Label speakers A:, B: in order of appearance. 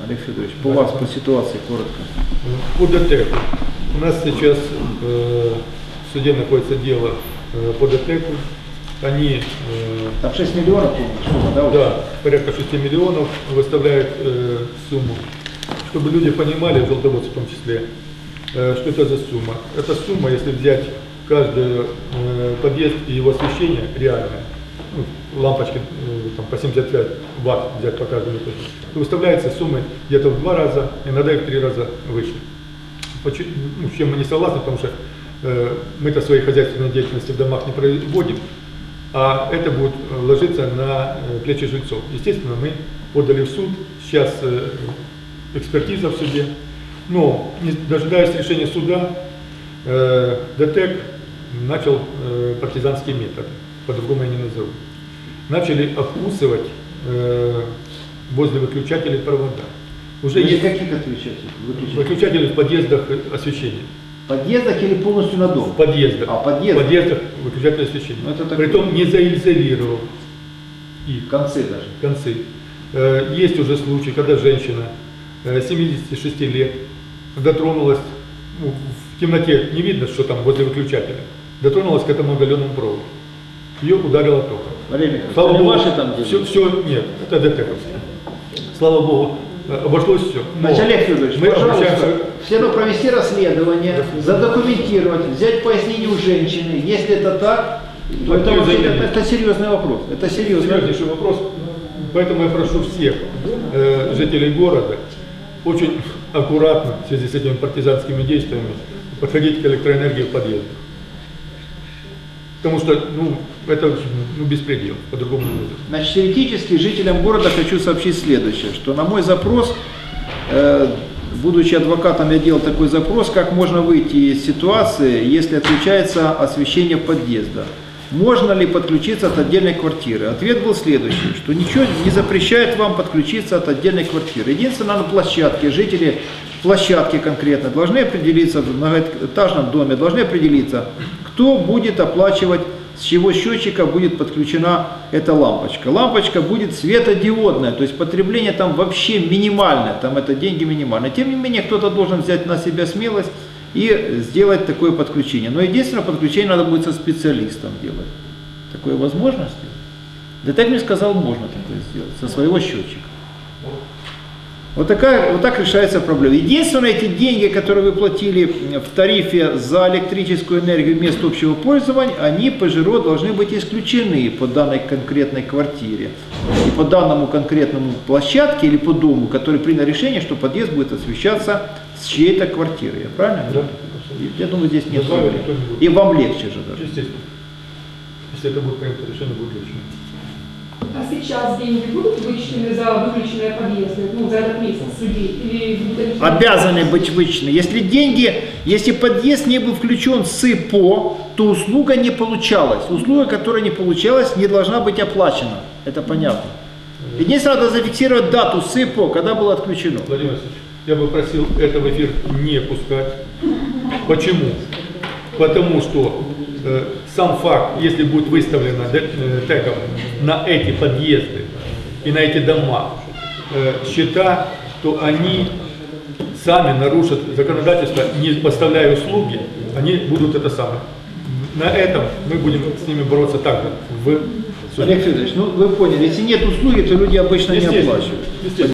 A: Олег Федорович, по вас, по ситуации, коротко.
B: По ДТЭКу. У нас сейчас в суде находится дело по ДТЭКу. Они...
A: Там 6 миллионов, сумма, да?
B: Да, порядка 6 миллионов выставляют сумму. Чтобы люди понимали, желтоводцы в том числе, что это за сумма. Эта сумма, если взять каждый подъезд и его освещение реальное, ну, лампочки там, по 75 ватт взять по каждому этажу, то выставляется суммы где-то в 2 раза, иногда и в 3 раза выше. С чем мы не согласны, потому что мы-то своей хозяйственной деятельности в домах не проводим, а это будет ложиться на плечи жильцов. Естественно, мы подали в суд, сейчас экспертиза в суде, но, не дожидаясь решения суда, ДТЭК начал партизанский метод, по-другому я не назову. Начали обкусывать возле выключателей провода. Уже есть
A: каких отключателей?
B: Выключатели в подъездах освещения.
A: В подъездах или полностью на дом?
B: В подъездах.
A: А, подъездах?
B: В подъездах выключатели освещения. Притом не заизолировал их.
A: Концы даже.
B: Концы. Есть уже случаи, когда женщина 76 лет дотронулась, ну, в темноте не видно, что там возле выключателя, дотронулась к этому оголенному проводу. Ее ударило током. Слава Богу,
A: ваши там
B: все, нет, это ДТЭКовские. Слава Богу, обошлось все.
A: Значит, Олег Федорович, пожалуйста, все равно провести расследование, задокументировать, взять пояснение у женщины. Если это так, то это серьезный вопрос. Это
B: серьезнейший вопрос. Поэтому я прошу всех жителей города очень аккуратно в связи с этими партизанскими действиями подходить к электроэнергии в подъезде. Потому что это беспредел, по-другому не будет.
A: Значит, теоретически жителям города хочу сообщить следующее, что на мой запрос, будучи адвокатом, я делал такой запрос, как можно выйти из ситуации, если отключается освещение подъезда. Можно ли подключиться от отдельной квартиры? Ответ был следующий, что ничего не запрещает вам подключиться от отдельной квартиры. Единственное, на площадке, жители площадки конкретно должны определиться, в многоэтажном доме должны определиться, кто будет оплачивать, с чего счетчика будет подключена эта лампочка. Лампочка будет светодиодная, то есть потребление там вообще минимальное, там это деньги минимальные. Тем не менее, кто-то должен взять на себя смелость и сделать такое подключение. Но единственное, подключение надо будет со специалистом делать. Такое возможно сделать? ДТЭК мне сказал, можно такое сделать, со своего счетчика. Вот так решается проблема. Единственное, эти деньги, которые вы платили в тарифе за электрическую энергию вместо общего пользования, они по ЖРО должны быть исключены по данной конкретной квартире. И по данному конкретному площадке или по дому, который принял решение, что подъезд будет освещаться с чьей-то квартиры. Я правильно?
B: Да.
A: Я думаю, здесь нет проблем. И вам легче же даже.
B: Естественно. Если это будет принято решение, будет легче.
C: А сейчас деньги будут вычтены за выключенные подъезды, за этот месяц судей? Или
A: обязаны быть вычтены. Если подъезд не был включен с ИПО, то услуга не получалась. Услуга, которая не получалась, не должна быть оплачена. Это понятно. Единственное, надо зафиксировать дату с ИПО, когда было отключено.
B: Владимир Васильевич, я бы просил это в эфир не пускать. Почему? Потому что сам факт, если будет выставлено ДТЭКом на эти подъезды и на эти дома счета, то они сами нарушат законодательство, не поставляя услуги, они будут это самое. На этом мы будем с ними бороться также в суде.
A: Олег Федорович, вы поняли, если нет услуги, то люди обычно не оплачивают.